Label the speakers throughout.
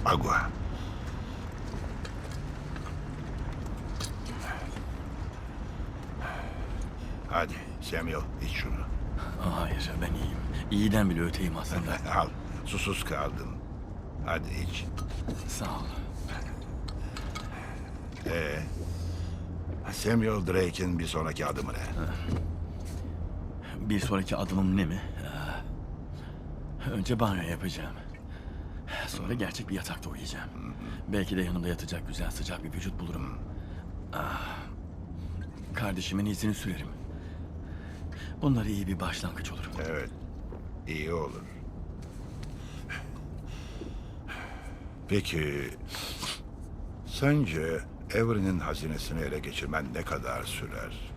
Speaker 1: Agua. Hadi Samuel, iç şunu.
Speaker 2: Hayır, ben iyiyim. İyiden bile öteyim aslında.
Speaker 1: Al, susuz kaldın. Hadi iç.
Speaker 2: Sağ ol.
Speaker 1: Samuel Drake'in bir sonraki adımı ne?
Speaker 2: Bir sonraki adımım ne mi? Önce banyo yapacağım. Sonra gerçek bir yatakta uyuyacağım. Belki de yanımda yatacak güzel sıcak bir vücut bulurum. Kardeşimin izini sürerim. Bunlar iyi bir başlangıç olur.
Speaker 1: Evet, iyi olur. Peki, sence Avery'nin hazinesini ele geçirmen ne kadar sürer?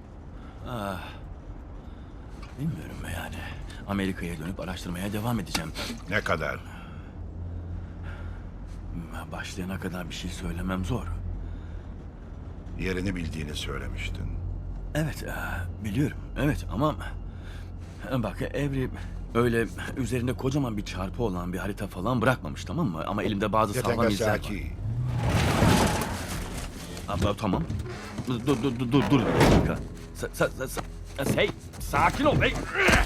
Speaker 2: Bilmiyorum yani. Amerika'ya dönüp araştırmaya devam edeceğim.
Speaker 1: Ne kadar?
Speaker 2: Başlayana kadar bir şey söylemem zor.
Speaker 1: Yerini bildiğini söylemiştin.
Speaker 2: Evet, biliyorum. Evet ama bak Avery öyle üzerinde kocaman bir çarpı olan bir harita falan bırakmamış, tamam mı? Ama elimde bazı sağlam izler var.
Speaker 1: Yatakasaki.
Speaker 2: Tamam. Dur bir dakika. Hey, sakin ol bey.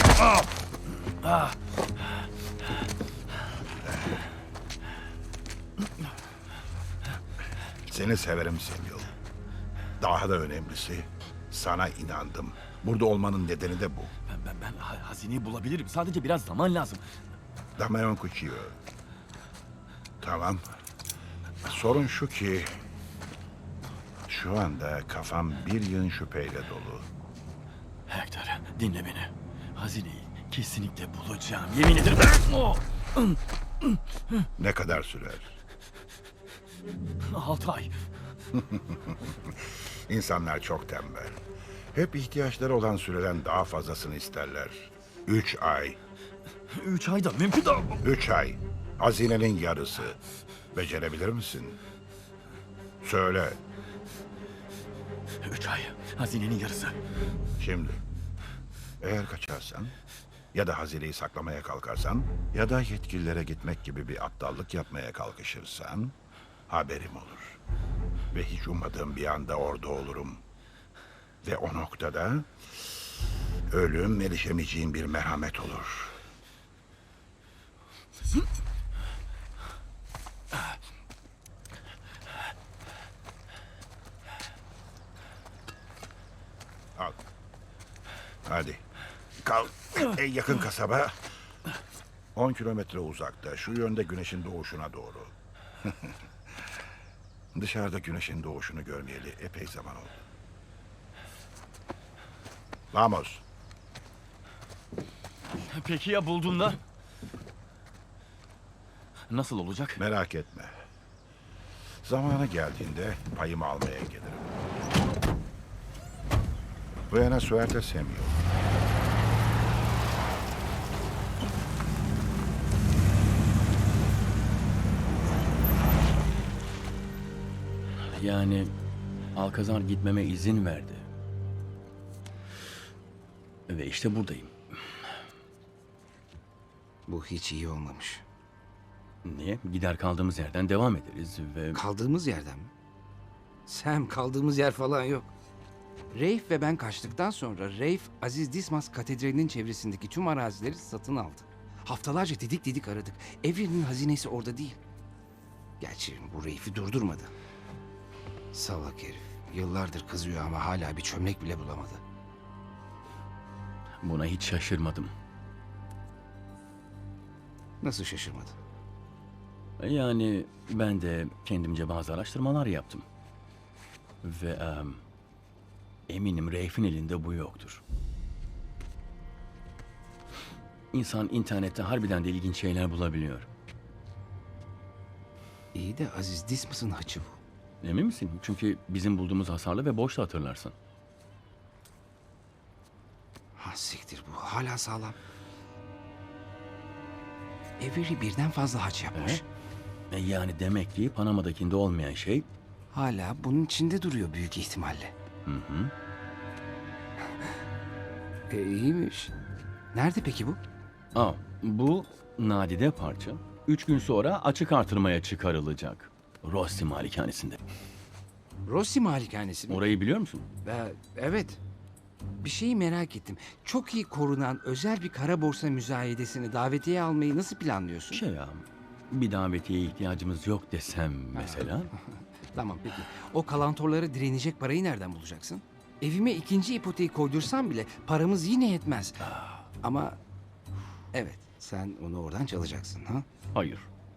Speaker 1: Seni severim Samuel. Daha da önemlisi, sana inandım. Burada olmanın nedeni de bu.
Speaker 2: Ben hazineyi bulabilirim. Sadece biraz zaman lazım.
Speaker 1: Damayon Cuchillo. Tamam. Sorun şu ki... Şu anda kafam bir yığın şüpheyle dolu.
Speaker 2: Hector, dinle beni. Hazineyi kesinlikle bulacağım. Yemin ederim. Oh!
Speaker 1: Ne kadar sürer?
Speaker 2: 6 ay.
Speaker 1: İnsanlar çok tembel. Hep ihtiyaçları olan süreden daha fazlasını isterler. 3 ay.
Speaker 2: 3 ayda mümkün değil.
Speaker 1: 3 ay. Hazinenin yarısı. Becerebilir misin? Söyle.
Speaker 2: 3 ay. Hazinenin yarısı.
Speaker 1: Şimdi. Eğer kaçarsan ya da hazineyi saklamaya kalkarsan ya da yetkililere gitmek gibi bir aptallık yapmaya kalkışırsan haberim olur. Ve hiç ummadığım bir anda orada olurum. Ve o noktada ölüm erişemeyeceğim bir merhamet olur. Al. Hadi. Kalk. En yakın kasaba 10 kilometre uzakta. Şu yönde güneşin doğuşuna doğru. Dışarıda güneşin doğuşunu görmeyeli epey zaman oldu. Vamos.
Speaker 2: Peki ya bulduğunda? Nasıl olacak?
Speaker 1: Merak etme. Zamanı geldiğinde payımı almaya gelirim. Buena suerte Samuel.
Speaker 2: Yani Alcazar gitmeme izin verdi. Ve işte buradayım.
Speaker 3: Bu hiç iyi olmamış.
Speaker 2: Niye? Gider kaldığımız yerden devam ederiz ve...
Speaker 3: Kaldığımız yerden mi? Sam, kaldığımız yer falan yok. Rafe ve ben kaçtıktan sonra Rafe, Aziz Dismas Katedrali'nin çevresindeki tüm arazileri satın aldı. Haftalarca didik didik aradık. Avery'nin hazinesi orada değil. Gerçi bu Rafe'i durdurmadı. Salak herif. Yıllardır kızıyor ama hala bir çömlek bile bulamadı.
Speaker 2: Buna hiç şaşırmadım.
Speaker 3: Nasıl şaşırmadı?
Speaker 2: Yani ben de kendimce bazı araştırmalar yaptım. Ve eminim Rafe'in elinde bu yoktur. İnsan internette harbiden de ilginç şeyler bulabiliyor.
Speaker 3: İyi de Aziz Dismas'ın haçı bu.
Speaker 2: Emin misin? Çünkü bizim bulduğumuz hasarlı ve boştu, hatırlarsın.
Speaker 3: Ha siktir, bu hala sağlam. Avery birden fazla haç yapmış.
Speaker 2: Yani demek ki Panama'dakinde olmayan şey...
Speaker 3: Hala bunun içinde duruyor büyük ihtimalle. İyiymiş. Nerede peki bu?
Speaker 2: Bu nadide parça 3 gün sonra açık artırmaya çıkarılacak. Rossi malikanesinde.
Speaker 3: Rossi malikanesi mi?
Speaker 2: Orayı biliyor musun?
Speaker 3: Evet. Bir şeyi merak ettim. Çok iyi korunan özel bir kara borsa müzayedesini davetiye almayı nasıl planlıyorsun?
Speaker 2: Şey ya, bir davetiye ihtiyacımız yok desem mesela.
Speaker 3: Tamam peki. O kalantorlara direnecek parayı nereden bulacaksın? Evime ikinci ipoteği koydursam bile paramız yine yetmez. Ama evet, sen onu oradan çalacaksın ha?
Speaker 2: Hayır.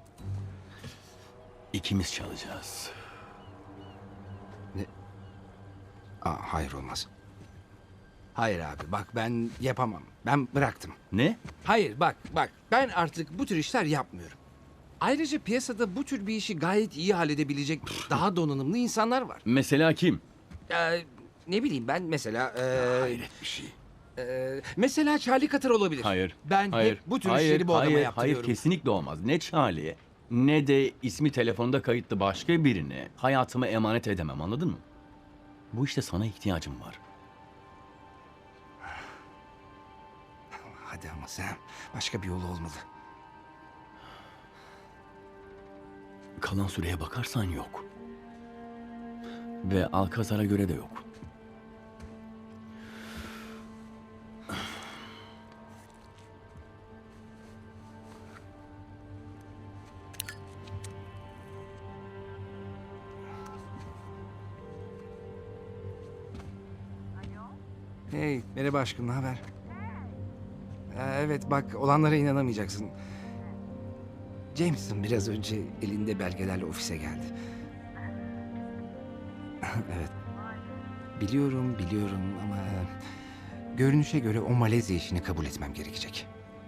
Speaker 2: İkimiz çalacağız.
Speaker 3: Hayır olmaz. Hayır abi bak ben yapamam. Ben bıraktım.
Speaker 2: Ne?
Speaker 3: Hayır bak ben artık bu tür işler yapmıyorum. Ayrıca piyasada bu tür bir işi gayet iyi halledebilecek daha donanımlı insanlar var.
Speaker 2: Mesela kim?
Speaker 3: Ne bileyim ben mesela
Speaker 2: Hayret bir şey.
Speaker 3: mesela Charlie Cutter olabilir.
Speaker 2: Hayır.
Speaker 3: Ben
Speaker 2: hayır,
Speaker 3: hep bu tür
Speaker 2: hayır,
Speaker 3: işleri bu adama
Speaker 2: hayır,
Speaker 3: yaptırıyorum.
Speaker 2: hayır, kesinlikle olmaz. Ne Charlie ne de ismi telefonda kayıtlı başka birine hayatımı emanet edemem, anladın mı? Bu işte sana ihtiyacım var.
Speaker 3: Hadi ama sen başka bir yolu olmalı.
Speaker 2: Kalan süreye bakarsan yok. Ve Alcazar'a göre de yok.
Speaker 3: Hey merhaba aşkım ne haber? Evet bak olanlara inanamayacaksın. Jameson biraz önce elinde belgelerle ofise geldi. Evet. Biliyorum ama görünüşe göre o Malezya işini kabul etmem gerekecek.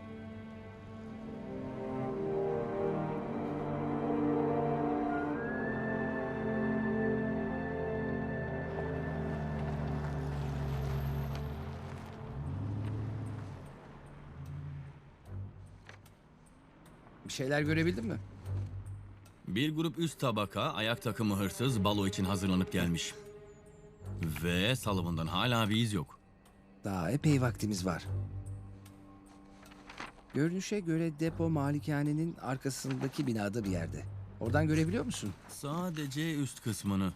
Speaker 3: Bir şeyler görebildin mi?
Speaker 2: Bir grup üst tabaka ayak takımı hırsız balo için hazırlanıp gelmiş. Ve Sullivan'dan hala bir iz yok.
Speaker 3: Daha epey vaktimiz var. Görünüşe göre depo malikanenin arkasındaki binada bir yerde. Oradan görebiliyor musun?
Speaker 2: Sadece üst kısmını.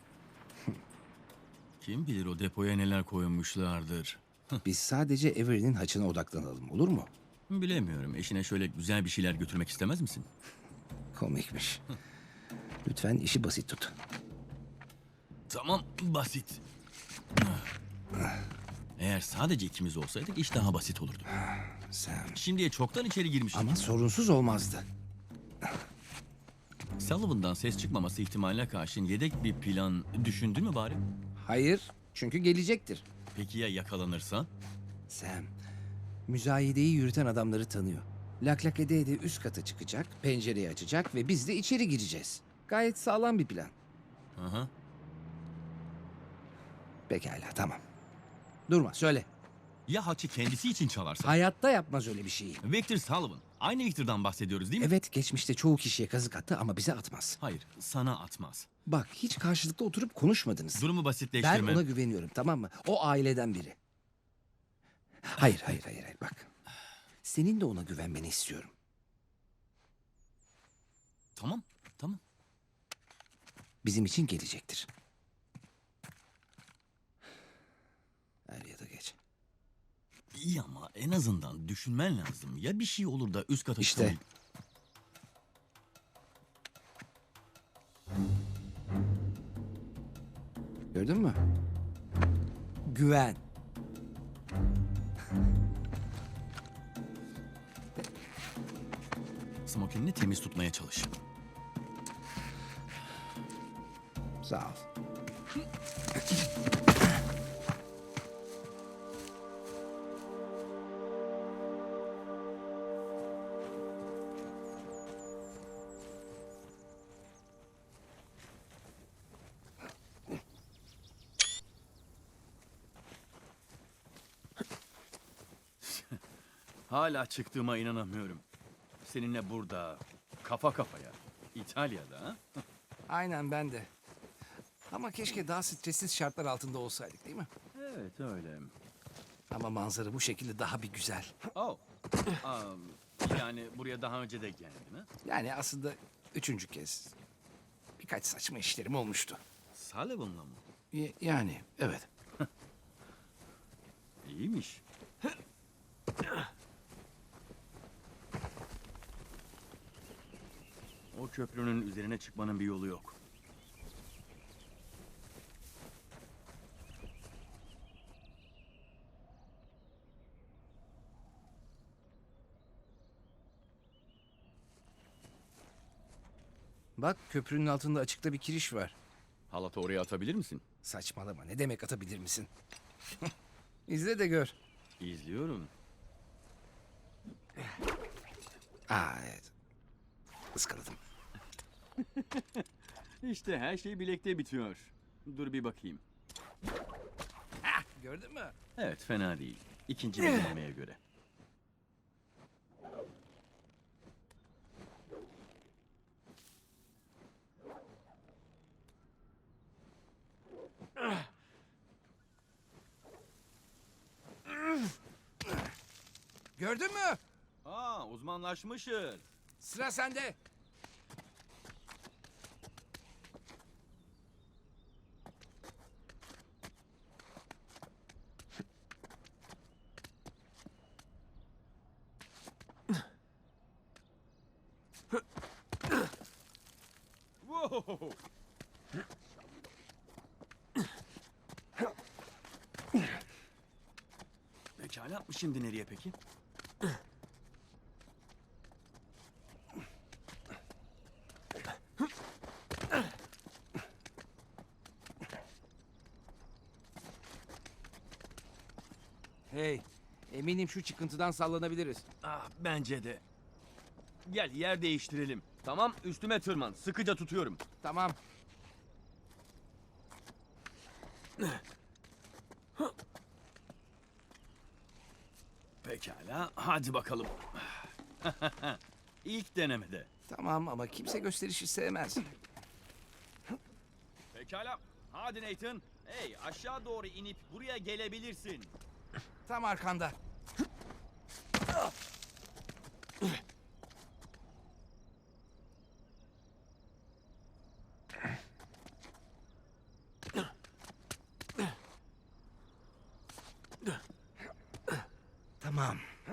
Speaker 2: Kim bilir o depoya neler koymuşlardır.
Speaker 3: Biz sadece Avery'nin haçına odaklanalım olur mu?
Speaker 2: Bilemiyorum. Eşine şöyle güzel bir şeyler götürmek istemez misin?
Speaker 3: Komikmiş. Lütfen işi basit tut.
Speaker 2: Tamam, basit. Eğer sadece ikimiz olsaydık iş daha basit olurdu.
Speaker 3: Sen...
Speaker 2: Şimdiye çoktan içeri girmiştik.
Speaker 3: Ama sorunsuz olmazdı.
Speaker 2: Sullivan'dan ses çıkmaması ihtimaline karşın yedek bir plan düşündün mü bari?
Speaker 3: Hayır, çünkü gelecektir.
Speaker 2: Peki ya yakalanırsa?
Speaker 3: Sam, müzayedeyi yürüten adamları tanıyor. Lak lak ede ede üst kata çıkacak, pencereyi açacak ve biz de içeri gireceğiz. Gayet sağlam bir plan.
Speaker 2: Aha.
Speaker 3: Pekala, tamam. Durma, söyle.
Speaker 2: Ya haçı kendisi için çalarsa?
Speaker 3: Hayatta yapmaz öyle bir şeyi.
Speaker 2: Victor Sullivan. Aynı Victor'dan bahsediyoruz değil mi?
Speaker 3: Evet, geçmişte çoğu kişiye kazık attı ama bize atmaz.
Speaker 2: Hayır, sana atmaz.
Speaker 3: Bak, hiç karşılıklı oturup konuşmadınız.
Speaker 2: Durumu
Speaker 3: Ben
Speaker 2: basitleştirme.
Speaker 3: ona güveniyorum, tamam mı? O aileden biri. Hayır, bak. Senin de ona güvenmeni istiyorum.
Speaker 2: Tamam, tamam.
Speaker 3: Bizim için gelecektir. Er ya da geç.
Speaker 2: İyi ama en azından düşünmen lazım. Ya bir şey olur da üst kata
Speaker 3: İşte.
Speaker 2: çıkamayıp-
Speaker 3: Gördün mü? Güven.
Speaker 2: Smokinini temiz tutmaya çalış.
Speaker 3: Sağ ol.
Speaker 2: Hala çıktığıma inanamıyorum. Seninle burada, kafa kafaya, İtalya'da ha?
Speaker 3: Aynen ben de. Ama keşke daha stressiz şartlar altında olsaydık değil mi?
Speaker 2: Evet öyle.
Speaker 3: Ama manzara bu şekilde daha bir güzel.
Speaker 2: Oh. Yani buraya daha önce de geldin ha?
Speaker 3: Yani aslında 3. kez. Birkaç saçma işlerim olmuştu.
Speaker 2: Sullivan'la mı?
Speaker 3: Yani evet.
Speaker 2: İyiymiş. O köprünün üzerine çıkmanın bir yolu yok.
Speaker 3: Bak köprünün altında açıkta bir kiriş var.
Speaker 2: Halatı oraya atabilir misin?
Speaker 3: Saçmalama, ne demek atabilir misin? İzle de gör.
Speaker 2: İzliyorum.
Speaker 3: Evet. Iskaladım.
Speaker 2: İşte her şey bilekte bitiyor. Dur bir bakayım.
Speaker 3: Gördün mü?
Speaker 2: Evet, fena değil. İkinci bir denemeye göre.
Speaker 3: Gördün mü?
Speaker 2: Aa, uzmanlaşmışız.
Speaker 3: Sıra sende.
Speaker 2: Wow! Pekala, şimdi nereye peki?
Speaker 3: Hey, eminim şu çıkıntıdan sallanabiliriz.
Speaker 2: Ah, bence de. Gel, yer değiştirelim. Tamam, üstüme tırman. Sıkıca tutuyorum.
Speaker 3: Tamam.
Speaker 2: Pekala, hadi bakalım. İlk denemede.
Speaker 3: Tamam ama kimse gösterişi sevmez.
Speaker 2: Pekala, hadi Nathan. Hey, aşağı doğru inip buraya gelebilirsin.
Speaker 3: Tam arkanda. Tamam.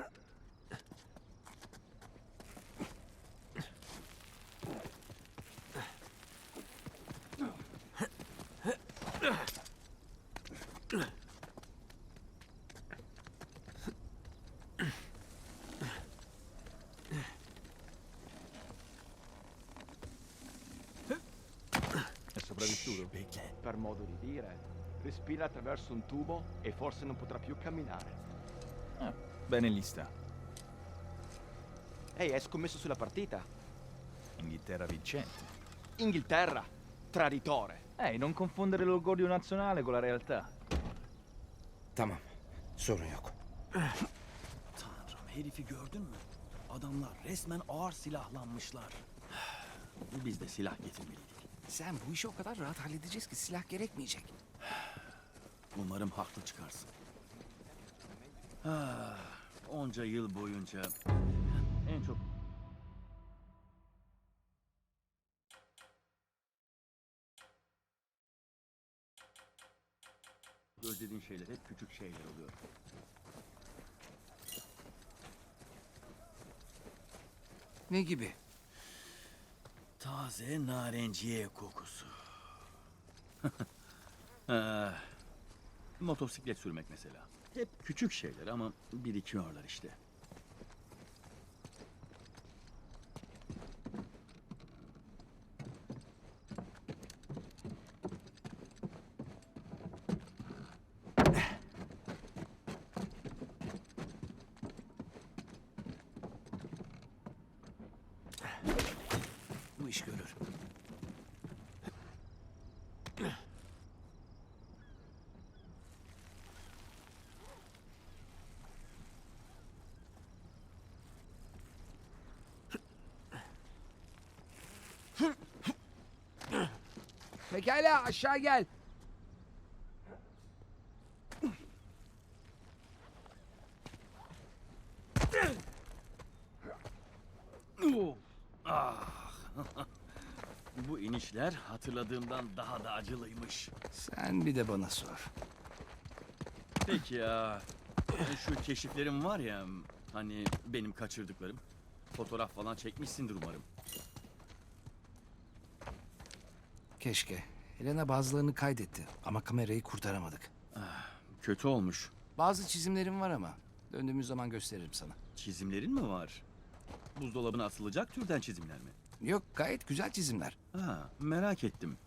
Speaker 4: È sopravvissuto?
Speaker 2: Bekle.
Speaker 4: Per modo di dire. Respira attraverso un tubo e forse non potrà più camminare.
Speaker 5: Bene lì sta.
Speaker 4: Ehi, hai scommesso sulla partita?
Speaker 5: Inghilterra vincente.
Speaker 4: Inghilterra! Traditore!
Speaker 5: Ehi, non confondere l'orgoglio nazionale con la realtà.
Speaker 3: Tamam. Sorun yok.
Speaker 2: Tanrım, herifi gördün mü? Adamlar resmen ağır silahlanmışlar. Biz de silah getirmeliydik.
Speaker 3: Sen bu işi o kadar rahat halledeceğiz ki silah gerekmeyecek.
Speaker 2: Umarım haklı çıkarsın. Ah, onca yıl boyunca en çok özlediğin şeyler hep küçük şeyler oluyor.
Speaker 3: Ne gibi?
Speaker 2: Taze narenciye kokusu. Ah, motosiklet sürmek mesela. Hep küçük şeyler ama birikiyorlar işte.
Speaker 3: Bu iş görür. Pekala aşağı gel.
Speaker 2: Bu inişler hatırladığımdan daha da acılıymış.
Speaker 3: Sen bir de bana sor.
Speaker 2: Peki ya, şu keşiflerim var ya, hani benim kaçırdıklarım. Fotoğraf falan çekmişsindir umarım.
Speaker 3: Keşke. Helena bazılarını kaydetti ama kamerayı kurtaramadık.
Speaker 2: Kötü olmuş.
Speaker 3: Bazı çizimlerim var ama döndüğümüz zaman gösteririm sana.
Speaker 2: Çizimlerin mi var? Buzdolabına asılacak türden çizimler mi?
Speaker 3: Yok, gayet güzel çizimler.
Speaker 2: Ha, merak ettim.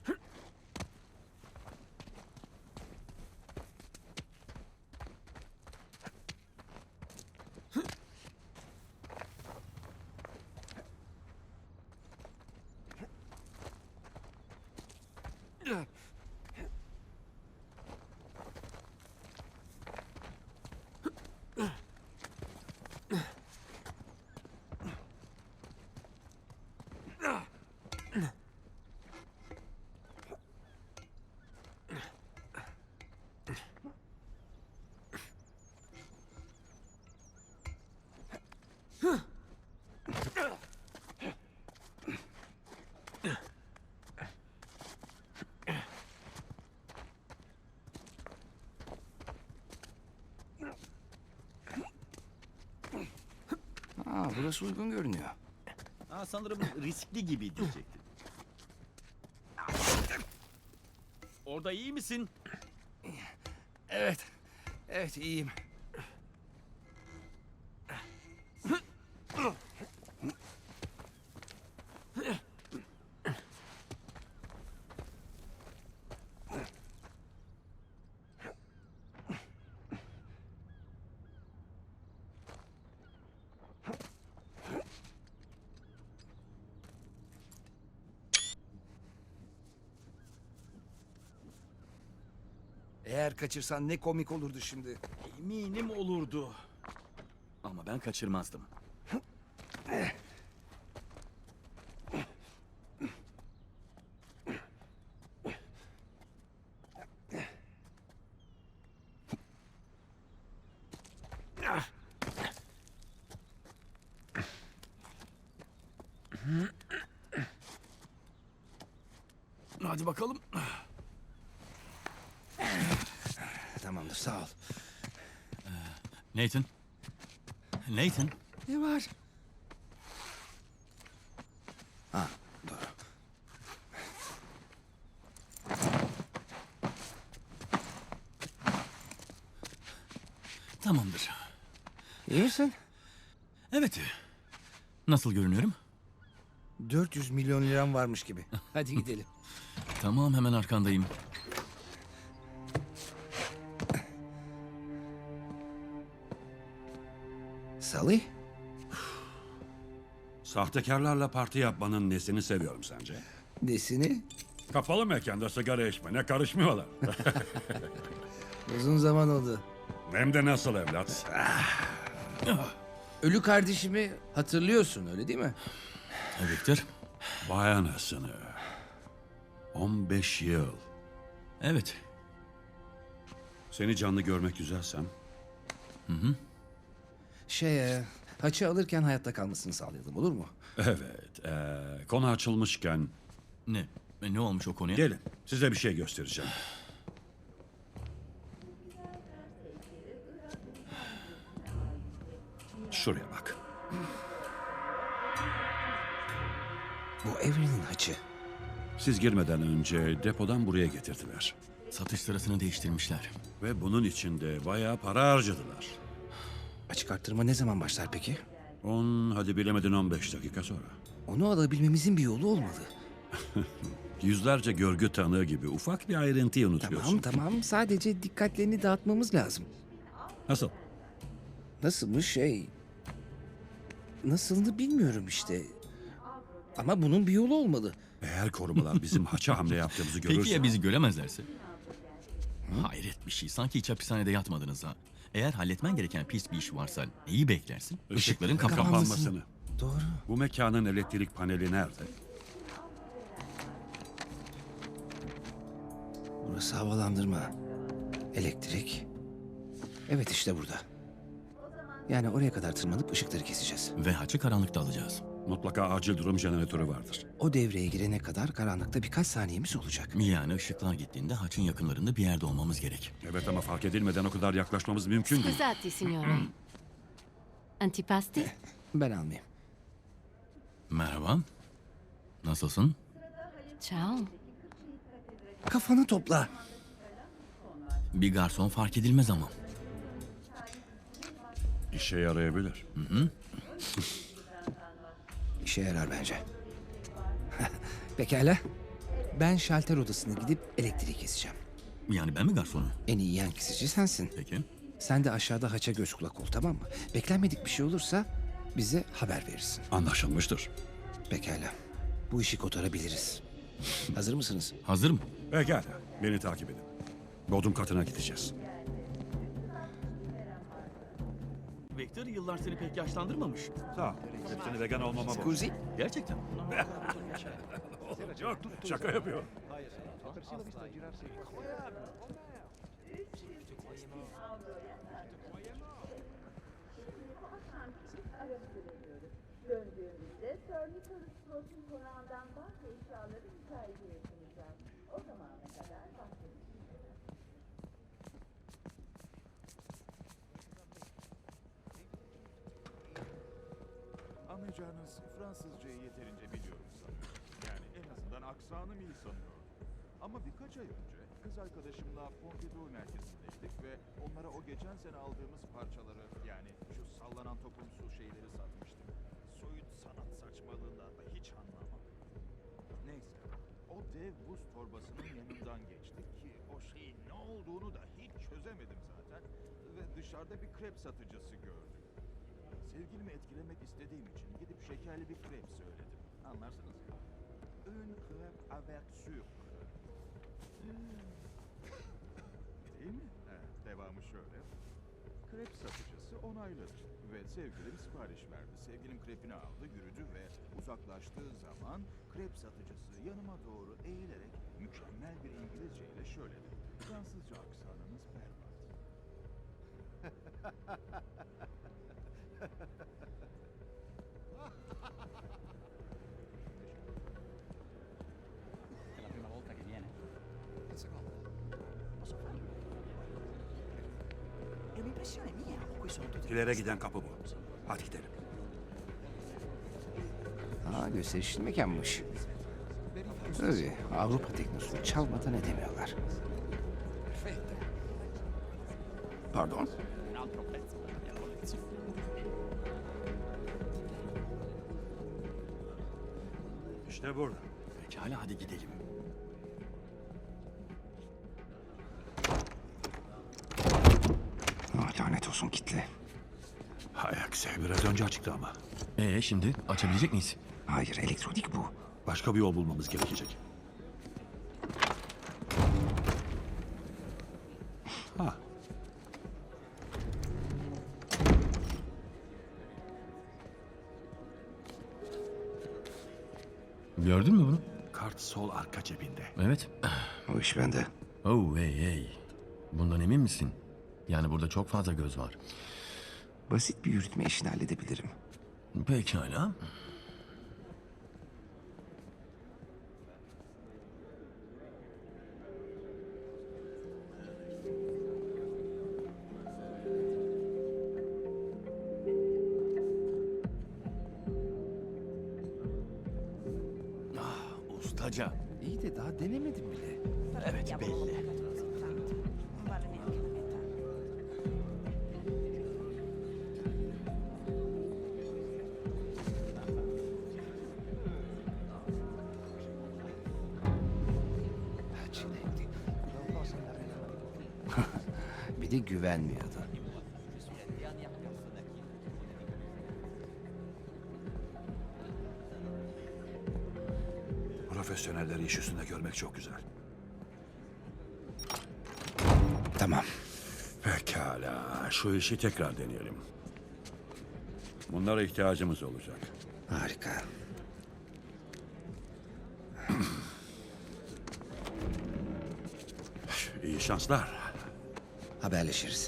Speaker 3: Burası uygun görünüyor.
Speaker 2: Ha, sanırım riskli gibi diyecektim. Orada iyi misin?
Speaker 3: Evet. Evet, iyiyim. Eğer kaçırsan ne komik olurdu şimdi.
Speaker 2: Eminim olurdu. Ama ben kaçırmazdım. Hadi bakalım.
Speaker 3: Tamamdır, sağ ol.
Speaker 2: Nathan. Nathan.
Speaker 3: Ne var? Ha, doğru.
Speaker 2: Tamamdır.
Speaker 3: İyi misin?
Speaker 2: Evet. Nasıl görünüyorum?
Speaker 3: 400 milyon liram varmış gibi. Hadi gidelim.
Speaker 2: Tamam, hemen arkandayım.
Speaker 3: Salih?
Speaker 6: Sahtekarlarla parti yapmanın nesini seviyorum sence?
Speaker 3: Nesini?
Speaker 6: Kapalı mekanda sigara içmene karışmıyorlar.
Speaker 3: Uzun zaman oldu.
Speaker 6: Hem de nasıl evlat?
Speaker 3: Ölü kardeşimi hatırlıyorsun, öyle değil mi?
Speaker 2: Victor.
Speaker 6: Vay anasını. 15 yıl.
Speaker 2: Evet.
Speaker 6: Seni canlı görmek güzelsem.
Speaker 3: Haçı alırken hayatta kalmasını sağlayalım, olur mu?
Speaker 6: Evet. Konu açılmışken
Speaker 2: Ne? Ne olmuş o konuya?
Speaker 6: gelin size bir şey göstereceğim. Şuraya bak.
Speaker 3: Bu Evren'in haçı.
Speaker 6: Siz girmeden önce depodan buraya getirdiler.
Speaker 2: Satış sırasını değiştirmişler.
Speaker 6: Ve bunun için de bayağı para harcadılar.
Speaker 3: Açık arttırma ne zaman başlar peki?
Speaker 6: 10, hadi bilemedin 15 dakika sonra.
Speaker 3: Onu alabilmemizin bir yolu olmalı.
Speaker 6: Yüzlerce görgü tanığı gibi ufak bir ayrıntıyı unutuyorsun.
Speaker 3: Tamam. Sadece dikkatlerini dağıtmamız lazım.
Speaker 6: Nasıl?
Speaker 3: Nasılmış Nasılını bilmiyorum işte. Ama bunun bir yolu olmalı.
Speaker 6: Eğer korumalar bizim haça hamle yaptığımızı görürse...
Speaker 2: Peki ya bizi göremezlerse? Hayret bir şey. Sanki hiç hapishanede yatmadınız ha. Eğer halletmen gereken pis bir iş varsa neyi beklersin? Işıkların
Speaker 6: kapanmasını.
Speaker 3: Doğru.
Speaker 6: Bu mekanın elektrik paneli nerede?
Speaker 3: Burası havalandırma. Elektrik. Evet, işte burada. Yani oraya kadar tırmanıp ışıkları keseceğiz.
Speaker 2: Ve haçı karanlıkta alacağız.
Speaker 6: Mutlaka acil durum jeneratörü vardır.
Speaker 3: O devreye girene kadar karanlıkta birkaç saniyemiz olacak.
Speaker 2: Yani ışıklar gittiğinde haçın yakınlarında bir yerde olmamız gerek.
Speaker 6: Evet ama fark edilmeden o kadar yaklaşmamız mümkün değil.
Speaker 7: Scusate, signore. Antipasti?
Speaker 3: Ben almayayım.
Speaker 2: Merhaba. Nasılsın?
Speaker 7: Ciao.
Speaker 3: Kafanı topla.
Speaker 2: Bir garson fark edilmez ama.
Speaker 6: İşe yarayabilir.
Speaker 3: İşe yarar bence. Pekala. Ben şalter odasına gidip elektriği keseceğim.
Speaker 2: Yani ben mi garsonum?
Speaker 3: En iyi yan kesici sensin.
Speaker 2: Peki.
Speaker 3: Sen de aşağıda haça göz kulak ol, tamam mı? Beklenmedik bir şey olursa bize haber verirsin.
Speaker 6: Anlaşılmıştır.
Speaker 3: Pekala. Bu işi kotarabiliriz. Hazır mısınız?
Speaker 2: Hazırım.
Speaker 6: Pekala. Beni takip edin. Bodrum katına gideceğiz.
Speaker 2: Victor yıllar seni pek yaşlandırmamış.
Speaker 6: Sağ ol. Hepsini vegan olmama bak.
Speaker 3: Scusi?
Speaker 2: Gerçekten.
Speaker 6: Yok, şaka yapıyorum.
Speaker 8: Döndüğümüzde Sir Nicholas Sprout'un konağından bazı eşyaları müsaiteye sunacağız. O zamana kadar bahsedeceğiz.
Speaker 9: Anlayacağınız Fransızcayı yeterince biliyorum sanırım. Yani en azından aksanım iyi sanıyorum. Ama birkaç ay önce kız arkadaşımla Pompidou merkezindeydik ve onlara o geçen sene aldığımız parçaları, yani şu sallanan topumsu şeyleri satmıştık. Soyut sanat saçmalığından da hiç anlamam. Neyse, o dev buz torbasının yanından geçtik ki o şeyin ne olduğunu da hiç çözemedim zaten ve dışarıda bir krep satıcısı gördüm. Sevgilimi etkilemek istediğim için gidip şekerli bir krep söyledim. Anlarsınız ya. Un crêpe avec sucre. Değil mi? Devamı şöyle. Krep satıcısı onayladı ve sevgilim sipariş verdi. Sevgilim krepini aldı, yürüdü ve uzaklaştığı zaman krep satıcısı yanıma doğru eğilerek mükemmel bir İngilizce ile şöyle dedi. Fransızca aksanınız berbat.
Speaker 6: İlere giden kapı bu. Hadi gidelim.
Speaker 3: Gösterişli mekanmış. Tabii Avrupa teknosunu çalmadan edemiyorlar.
Speaker 1: Pardon?
Speaker 6: İşte burada.
Speaker 2: Pekala hadi gidelim.
Speaker 3: Lanet olsun kitle.
Speaker 1: Hay aksi, biraz önce açıktı ama.
Speaker 2: Şimdi açabilecek miyiz?
Speaker 3: Hayır, elektronik bu.
Speaker 6: Başka bir yol bulmamız gerekecek. Ha,
Speaker 2: Gördün mü bunu?
Speaker 1: Kart sol arka cebinde.
Speaker 2: Evet.
Speaker 3: O iş bende.
Speaker 2: Oh hey. Bundan emin misin? Yani burada çok fazla göz var.
Speaker 3: Basit bir yürütme işini halledebilirim.
Speaker 2: Pekala. Ustaca.
Speaker 3: İyi de daha denemedim bile.
Speaker 2: Evet belli.
Speaker 3: Bir de güvenmiyordu.
Speaker 6: profesyonelleri iş üstünde görmek çok güzel.
Speaker 3: Tamam.
Speaker 6: Pekala, şu işi tekrar deneyelim. Bunlara ihtiyacımız olacak.
Speaker 3: Harika.
Speaker 6: İyi şanslar.
Speaker 3: Haberleşiriz.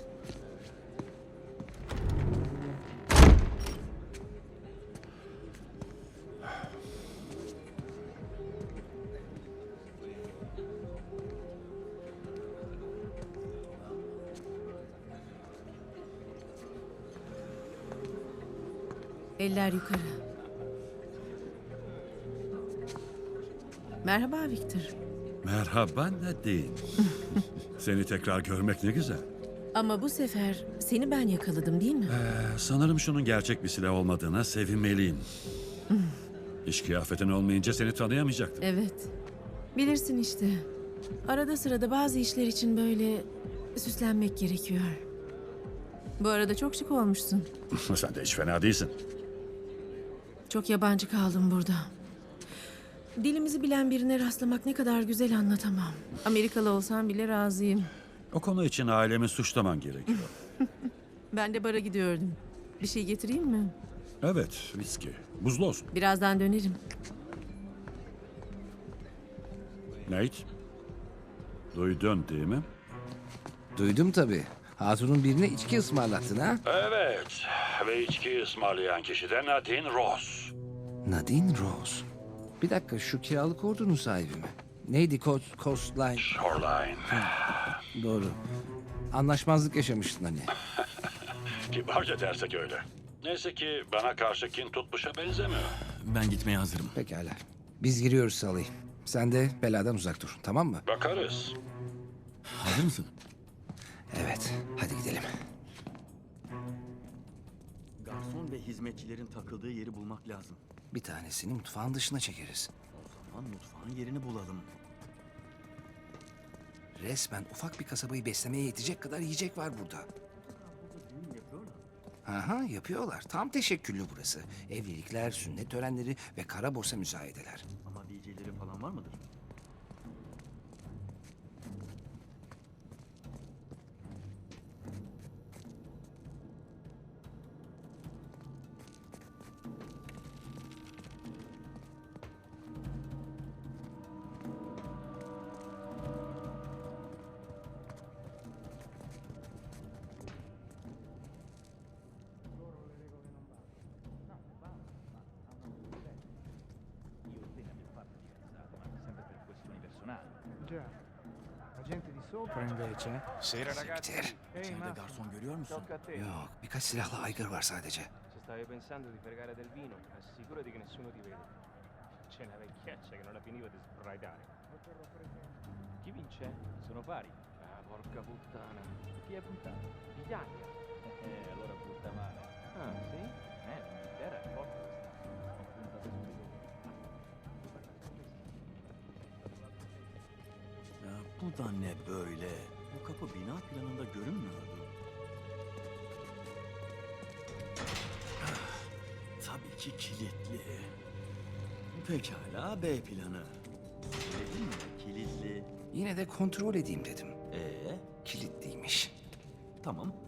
Speaker 10: Eller yukarı. Merhaba Victor.
Speaker 6: Merhaba Nadine. Seni tekrar görmek ne güzel.
Speaker 10: Ama bu sefer seni ben yakaladım değil mi?
Speaker 6: Sanırım şunun gerçek bir silah olmadığına sevinmeliyim. İş kıyafetin olmayınca seni tanıyamayacaktım.
Speaker 10: Evet. Bilirsin işte. Arada sırada bazı işler için böyle süslenmek gerekiyor. Bu arada çok şık olmuşsun.
Speaker 6: Sen de hiç fena değilsin.
Speaker 10: Çok yabancı kaldım burada. Dilimizi bilen birine rastlamak ne kadar güzel anlatamam. Amerikalı olsam bile razıyım.
Speaker 6: O konu için ailemi suçlaman gerekiyor.
Speaker 10: Ben de bara gidiyordum. Bir şey getireyim mi?
Speaker 6: Evet, viski. Buzlu olsun.
Speaker 10: Birazdan dönerim.
Speaker 6: Nate, duydun değil mi?
Speaker 3: Duydum tabii. Hatun'un birine içki ısmarlattın ha?
Speaker 6: Evet, ve içki ısmarlayan kişi de Nadine Ross.
Speaker 3: Nadine Rose. Bir dakika, şu kiralık ordunun sahibi mi? Neydi Coastline?
Speaker 6: Shoreline.
Speaker 3: Doğru. Anlaşmazlık yaşamıştın hani.
Speaker 6: Kibarca dersek öyle. Neyse ki bana karşı kin tutmuşa benzemiyor.
Speaker 2: Ben gitmeye hazırım.
Speaker 3: Pekala. Biz giriyoruz Salih. Sen de beladan uzak dur, tamam mı?
Speaker 6: Bakarız.
Speaker 2: Hazır mısın?
Speaker 3: Evet, hadi gidelim.
Speaker 2: Garson ve hizmetçilerin takıldığı yeri bulmak lazım.
Speaker 3: Bir tanesini mutfağın dışına çekeriz.
Speaker 2: O zaman mutfağın yerini bulalım.
Speaker 3: Resmen ufak bir kasabayı beslemeye yetecek kadar yiyecek var burada. Aha, yapıyorlar. Tam teşekküllü burası. Evlilikler, sünnet törenleri ve kara borsa müsayedeler.
Speaker 2: Ama DJ'leri falan var mıdır?
Speaker 5: Io e te ne abbiamo fatte fidanzate, ma sempre per questioni personali.
Speaker 11: Già, la gente di sopra invece.
Speaker 9: Sera
Speaker 3: Siktir.
Speaker 2: İçeride garson görüyor musun?
Speaker 4: Tocca a te.
Speaker 3: Yok, birkaç silahlı aygır var sadece.
Speaker 4: Se stavi pensando di fregare del vino, assicurati che nessuno ti vede. C'è una vecchiaccia che non la finiva di sbraitare. Chi vince? Sono pari. Ah, porca puttana. Chi è puntato? L'Italia.
Speaker 5: Allora butta male.
Speaker 4: Ah, sì?
Speaker 5: L'Inghilterra è forte quest'anno. Ho puntato su di loro.
Speaker 2: Ya bu da ne böyle? Bu kapı bina planında görünmüyordu. Tabii ki kilitli. Pekala B planı. Dedim mi kilitli?
Speaker 3: Yine de kontrol edeyim dedim.
Speaker 2: Ee,
Speaker 3: Kilitliymiş.
Speaker 2: tamam.